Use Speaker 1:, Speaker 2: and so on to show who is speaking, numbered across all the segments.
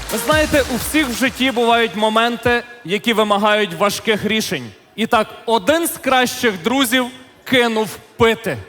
Speaker 1: Ви знаєте, у всіх в житті бувають моменти, які вимагають важких рішень. І так, один з кращих друзів кинув пити.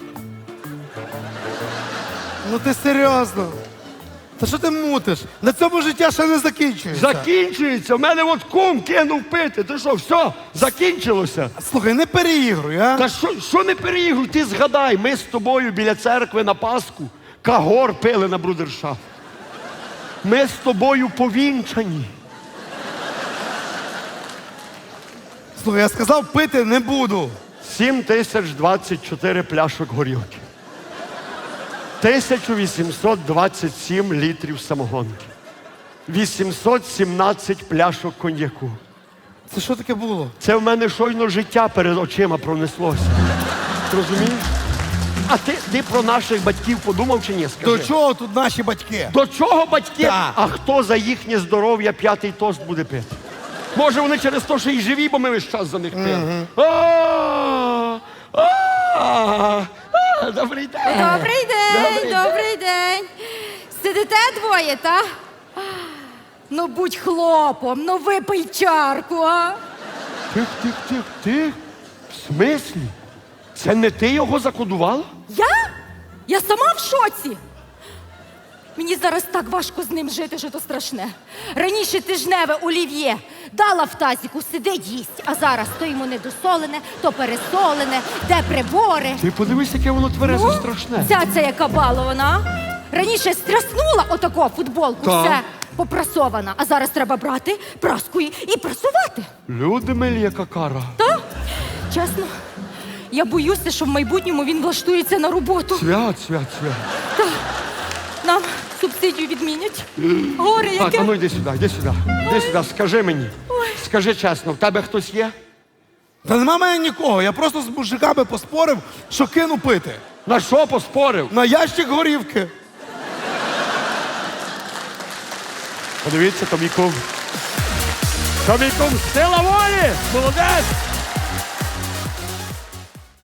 Speaker 2: Ну ти серйозно? Та що ти мутиш? На цьому життя ще не закінчується.
Speaker 3: Закінчується. У мене от кум кинув пити. Ти що, все, закінчилося?
Speaker 2: Слухай, не переігруй, а?
Speaker 3: Та що не переігруй? Ти згадай, ми з тобою біля церкви на Пасху кагор пили на брудершафт. Ми з тобою повінчані.
Speaker 2: Слухай, я сказав, пити не буду.
Speaker 3: 7024 пляшок горілки. 1827 літрів самогонки. 817 пляшок коньяку.
Speaker 2: Це що таке було?
Speaker 3: Це в мене щойно життя перед очима пронеслося. Розумієш? А ти про наших батьків подумав чи ні? Скажи.
Speaker 2: До чого тут наші батьки?
Speaker 3: До чого батьки?
Speaker 2: Так.
Speaker 3: А хто за їхнє здоров'я п'ятий тост буде пити? Може вони через те, що і живі, бо ми весь час за них пили. Добрий день.
Speaker 4: Добрий день, добрий день. Сидите двоє, та? Ну будь хлопом, ну випий чарку, а?
Speaker 3: Тих. В смислі? Це не ти його закодувала?
Speaker 4: Я? Я сама в шоці. Мені зараз так важко з ним жити, що то страшне. Раніше тижневе олів'є дала в тазіку, сидить їсть, а зараз то йому недосолене, то пересолене, де прибори.
Speaker 3: Ти подивись, яке воно тверезе страшне.
Speaker 4: Ця яка балована. Раніше стряснула отако футболку,
Speaker 3: Так.
Speaker 4: все попрасована, а зараз треба брати праску і прасувати.
Speaker 3: Люди милі, яка кара.
Speaker 4: Та? Чесно, я боюся, що в майбутньому він влаштується на роботу.
Speaker 3: Свят.
Speaker 4: Та. Нам субсидію відмінять. Горе
Speaker 3: Так,
Speaker 4: яке.
Speaker 3: а ну йди сюди, йди сюди. Йди сюди, скажи мені. Скажи чесно, в тебе хтось є?
Speaker 2: Та нема мене нікого, я просто з мужиками поспорив, що кину пити.
Speaker 3: На що поспорив?
Speaker 2: На ящик горівки.
Speaker 3: Подивіться, то мій кум. То мій кум, сила волі! Молодець!